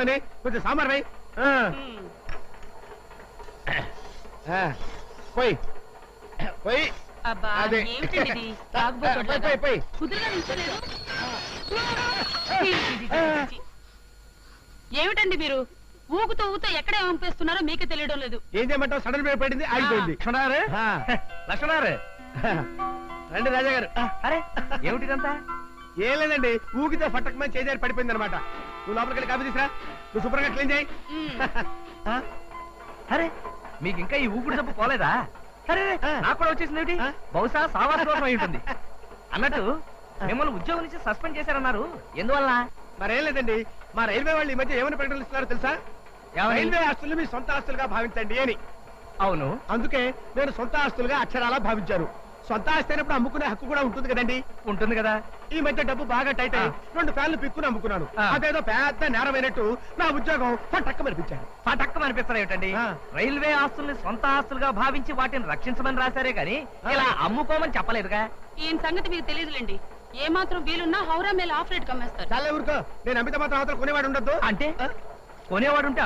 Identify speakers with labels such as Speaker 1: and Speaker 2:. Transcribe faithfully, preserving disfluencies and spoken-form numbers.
Speaker 1: కూర్చున్నామని కొంచెం సాంబార్ పోయి పోయి పోయి
Speaker 2: అబ్బా
Speaker 1: అదే.
Speaker 2: ఏమిటండి ఇది? తాగుబోతులాగా.
Speaker 1: పోయి, పోయి.
Speaker 2: కుదురుగా నిల్చోలేరు? ఏమిటండి మీరు ఊగుతూ ఊగుతూ ఎక్కడ పంపిస్తున్నారో మీకే తెలియడం లేదు.
Speaker 1: ఏం చేయమంటావు? సడన్ బ్రేక్ పడింది, ఆగిపోయింది.
Speaker 3: లక్ష్మణారు లక్ష్మణారు
Speaker 1: రండి రాజా గారు.
Speaker 3: అరే ఏమిటిదంతా?
Speaker 1: ఏం లేదండి, ఊగితే ఫట్టకమని చేజారి పడిపోయింది అనమాట. నువ్వు లోపలికి వెళ్ళి కాఫీ తీసురా, నువ్వు శుభ్రంగా క్లీన్ చేయి.
Speaker 2: మ్మ్.
Speaker 3: అరే మీకు ఇంకా ఈ ఊపిరి జబ్బు పోలేదా? సరే
Speaker 1: ఆ.
Speaker 3: నాకు కూడా వచ్చేసింది ఏమిటి?
Speaker 1: ఆ.
Speaker 3: బహుశా సావాస దోషం అయి ఉంటుంది. అన్నట్టు మిమ్మల్ని ఉద్యోగం నుంచి సస్పెండ్ చేశారన్నారు, ఎందువల్ల?
Speaker 1: మరేం లేదండి, మా రైల్వే వాళ్ళు ఈ మధ్య ఏమని ప్రకటనలు ఇస్తున్నారో తెలుసా?
Speaker 3: ఏమని?
Speaker 1: రైల్వే ఆస్తులు మీ సొంత ఆస్తులుగా భావించండి అని.
Speaker 3: అవును.
Speaker 1: అందుకే నేను సొంత ఆస్తులుగా అక్షరాలా భావించాను. సొంత ఆస్తి అయినప్పుడు అమ్ముకునే హక్కు కూడా ఉంటుంది కదండి.
Speaker 3: ఉంటుంది కదా.
Speaker 1: ఈ మధ్య డబ్బు బాగా టైట్ అయ్యి రెండు ఫ్యాన్లు పిక్కుని అమ్ముకున్నాను.
Speaker 3: ఆ.
Speaker 1: అదేదో పెద్ద నేరమైనట్టు నా ఉద్యోగం పట్టక్క మనిపించాను.
Speaker 3: పటక్కం అనిపిస్తారు ఏమిటండి?
Speaker 1: ఆ.
Speaker 3: రైల్వే ఆస్తుల్ని సొంత ఆస్తులుగా భావించి వాటిని రక్షించమని రాశారే గాని ఇలా అమ్ముకోమని చెప్పలేదుగా.
Speaker 2: ఈయన సంగతి మీకు తెలియదులేండి. ఏ మాత్రం వీలున్నా హౌరా మేల ఆఫ్ రేట్ కమ్మేస్తారు.
Speaker 1: చాలా ఊరుకో, నేను అమిత మాత్రం అవతల కొనేవాడు ఉండొద్దు.
Speaker 3: అంటే కొనేవాడుంటే